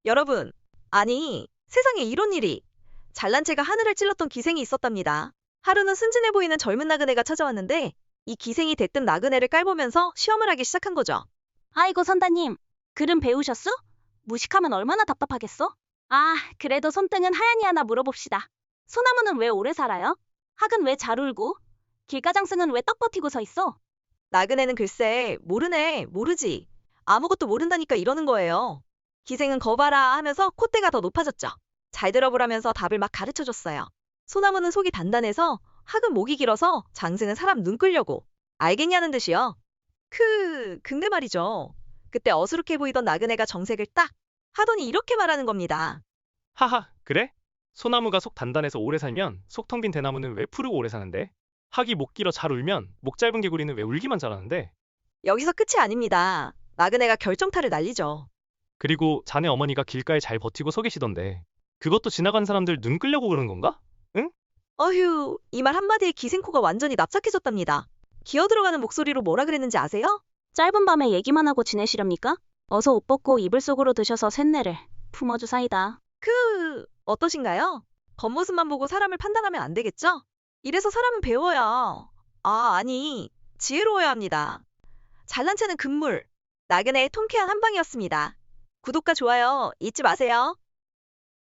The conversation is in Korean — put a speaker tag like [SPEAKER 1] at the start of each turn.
[SPEAKER 1] 여러분, 아니, 세상에 이런 일이. 잘난 체가 하늘을 찔렀던 기생이 있었답니다. 하루는 순진해 보이는 젊은 나그네가 찾아왔는데 이 기생이 대뜸 나그네를 깔보면서 시험을 하기 시작한 거죠.
[SPEAKER 2] 아이고 선다님, 글은 배우셨어? 무식하면 얼마나 답답하겠어? 아, 그래도 손등은 하얀이 하나 물어봅시다. 소나무는 왜 오래 살아요? 학은 왜 잘 울고? 길가장승은 왜 떡 버티고 서 있어?
[SPEAKER 1] 나그네는 글쎄, 모르네, 모르지. 아무것도 모른다니까 이러는 거예요. 기생은 거봐라 하면서 콧대가 더 높아졌죠. 잘 들어보라면서 답을 막 가르쳐 줬어요. 소나무는 속이 단단해서, 학은 목이 길어서, 장승은 사람 눈 끌려고. 알겠냐는 듯이요. 근데 말이죠. 그때 어수룩해 보이던 나그네가 정색을 딱 하더니 이렇게 말하는 겁니다.
[SPEAKER 3] 하하, 그래? 소나무가 속 단단해서 오래 살면 속 텅 빈 대나무는 왜 푸르고 오래 사는데? 학이 목 길어 잘 울면 목 짧은 개구리는 왜 울기만 잘하는데?
[SPEAKER 1] 여기서 끝이 아닙니다. 나그네가 결정타를 날리죠.
[SPEAKER 3] 그리고 자네 어머니가 길가에 잘 버티고 서 계시던데 그것도 지나간 사람들 눈 끌려고 그러는 건가? 응?
[SPEAKER 1] 어휴, 이 말 한마디에 기생코가 완전히 납작해졌답니다. 기어 들어가는 목소리로 뭐라 그랬는지 아세요?
[SPEAKER 2] 짧은 밤에 얘기만 하고 지내시렵니까? 어서 옷 벗고 이불 속으로 드셔서 쇳내를 품어주사이다.
[SPEAKER 1] 어떠신가요? 겉모습만 보고 사람을 판단하면 안 되겠죠? 이래서 사람은 배워야, 아니, 지혜로워야 합니다. 잘난 체는 금물. 나그네의 통쾌한 한방이었습니다. 구독과 좋아요 잊지 마세요.